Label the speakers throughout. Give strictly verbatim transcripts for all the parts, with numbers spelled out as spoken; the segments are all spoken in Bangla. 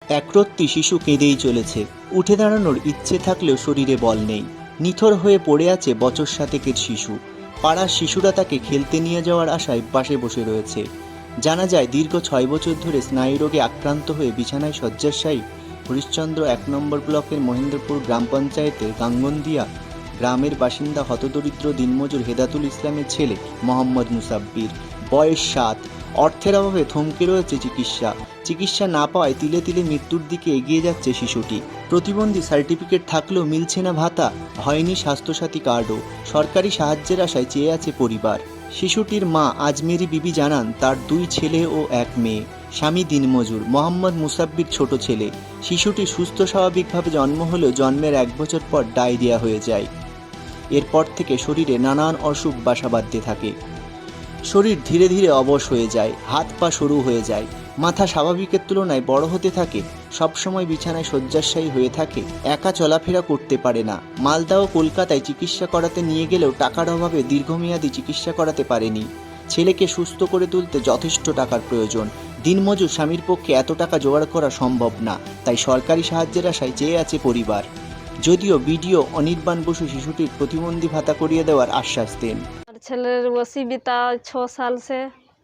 Speaker 1: একরত্তি শিশু কেঁদেই চলেছে। উঠে দাঁড়ানোর ইচ্ছে থাকলেও শরীরে বল নেই। নিথর হয়ে পড়ে আছে বছর সাতেকের শিশু। পাড়ার শিশুরা তাকে খেলতে নিয়ে যাওয়ার আশায় পাশে বসে রয়েছে। জানা যায় দীর্ঘ ছয় বছর ধরে স্নায়ুরোগে আক্রান্ত হয়ে বিছানায় শয্যাশায়ী হরিশ্চন্দ্র এক নম্বর ব্লকের মহেন্দ্রপুর গ্রাম পঞ্চায়েতের গাঙ্গনদিয়া গ্রামের বাসিন্দা হতদরিদ্র দিনমজুর হেদাতুল ইসলামের ছেলে মোহাম্মদ মুসাব্বির। বয়স সাত। অর্থের অভাবে থমকে রয়েছে চিকিৎসা। চিকিৎসা না পাওয়ায় তিলে তিলে মৃত্যুর দিকে এগিয়ে যাচ্ছে শিশুটি। প্রতিবন্ধী সার্টিফিকেট থাকলেও মিলছে না ভাতা, হয়নি স্বাস্থ্যসাথী কার্ডও। সরকারি সাহায্যের আশায় চেয়ে আছে পরিবার। শিশুটির মা আজমেরি বিবি জানান তার দুই ছেলে ও এক মেয়ে। স্বামী দিনমজুর। মোহাম্মদ মুসাব্বির ছোট ছেলে। শিশুটি সুস্থ স্বাভাবিকভাবে জন্ম হলেও জন্মের এক বছর পর ডায়রিয়া হয়ে যায়। এরপর থেকে শরীরে নানান অসুখ বাসা বাঁধতে থাকে। শরীর ধীরে ধীরে অবশ হয়ে যায়, হাত পা সরু হয়ে যায়, মাথা স্বাভাবিকের তুলনায় বড় হতে থাকে, সবসময় বিছানায় শয্যাশায়ী হয়ে থাকে, একা চলাফেরা করতে পারে না। মালদা ও কলকাতায় চিকিৎসা করাতে নিয়ে গেলেও টাকার অভাবে দীর্ঘমেয়াদী চিকিৎসা করাতে পারেনি। ছেলেকে সুস্থ করে তুলতে যথেষ্ট টাকার প্রয়োজন। দিনমজুর স্বামীর পক্ষে এত টাকা জোগাড় করা সম্ভব না, তাই সরকারি সাহায্যের আশায় চেয়ে আছে পরিবার। যদিও বিডিও অনির্বাণ বসু শিশুটির প্রতিবন্ধী ভাতা করিয়ে দেওয়ার আশ্বাস দেন।
Speaker 2: ছেলের অসুবিধা ছ সাল সে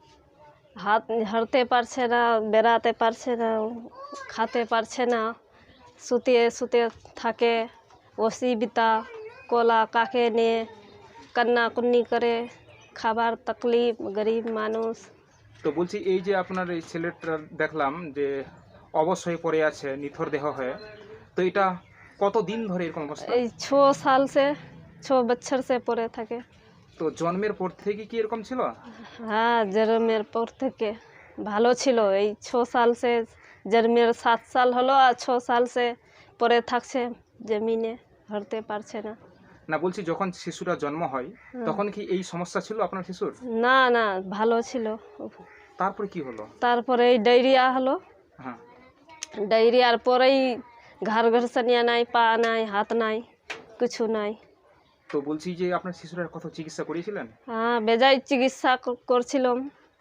Speaker 2: হাত হাঁটতে পারছে না, বেড়াতে পারছে না, খেতে পারছে না, শুতে শুতে থাকে। অসুবিধা কোলা কাকে নিয়ে কান্নাকুন্নি করে, খাবার তকলিফ, গরিব মানুষ।
Speaker 3: তো বলছি এই যে আপনার এই ছেলেটা দেখলাম যে অবশ হয়ে পড়ে আছে, নিথর দেহ হয়ে, তো এটা কতদিন ধরে এরকম অবস্থা?
Speaker 2: এই ছ সাল সে ছ বছর সে পড়ে থাকে।
Speaker 3: তো জন্মের পর থেকে কি এরকম ছিল?
Speaker 2: হ্যাঁ, জন্মের পর থেকে ভালো ছিল। এই ছ সাল সে জন্মের সাত সাল হলো আর ছ সাল সে পড়ে থাকছে জমিনে, হাঁটতে পারছে না।
Speaker 3: না বলছি যখন শিশুরা জন্ম হয় তখন কি এই সমস্যা ছিল আপনার শিশুর?
Speaker 2: না না, ভালো ছিল।
Speaker 3: তারপরে কি হলো?
Speaker 2: তারপরে এই ডায়রিয়া হলো।
Speaker 3: হ্যাঁ।
Speaker 2: ডায়রিয়ার পরেই ঘর ঘরসানিয়া নাই, পা নাই, হাত নাই, কিছু নাই।
Speaker 3: তো বলছি যে আপনার শিশুরা কত চিকিৎসা করিয়েছিলেন?
Speaker 2: হ্যাঁ, বেজায় চিকিৎসা ক- করছিলাম।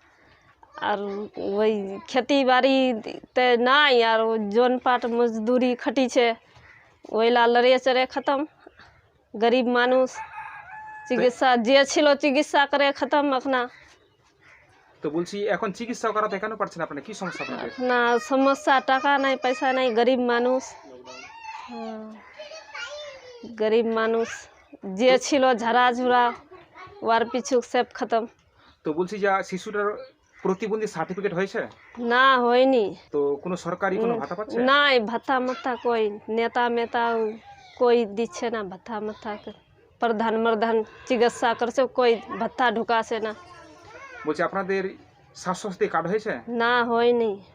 Speaker 2: আর ওই খেতি বাড়িতে নাই, আর ও জন পাট মজদুরি খাটিছে, ওইলা লড়িয়ে চড়ে খতম। গরিব মানুষ, চিকিৎসা যে ছিল চিকিৎসা করে খতম এখনা।
Speaker 3: তো বলছি এখন চিকিৎসা করাতে কেন পারছেন আপনারা, কি সমস্যা আপনাদের?
Speaker 2: না সমস্যা, টাকা নাই, পয়সা নাই, গরিব মানুষ। হ্যাঁ, গরিব মানুষ যে ছিল ঝাড়া ঝুড়া, ওয়ার পিছু সব খতম।
Speaker 3: তো বলছি যে শিশুটার প্রতিবন্ধী সার্টিফিকেট হয়েছে?
Speaker 2: না হয়নি।
Speaker 3: তো কোনো সরকারি কোনো ভাতা পাচ্ছে?
Speaker 2: নাই, ভাতা মাতা কই নেতা মেতা কই দিচ্ছে না ভাতা মাতা। প্রধান মর্ধান চিকিৎসা করছে, কই ভাতা ঢুকাছে না।
Speaker 3: বলছি আপনাদের স্বাস্থ্যসাথী কার্ড হয়েছে?
Speaker 2: না হয়নি।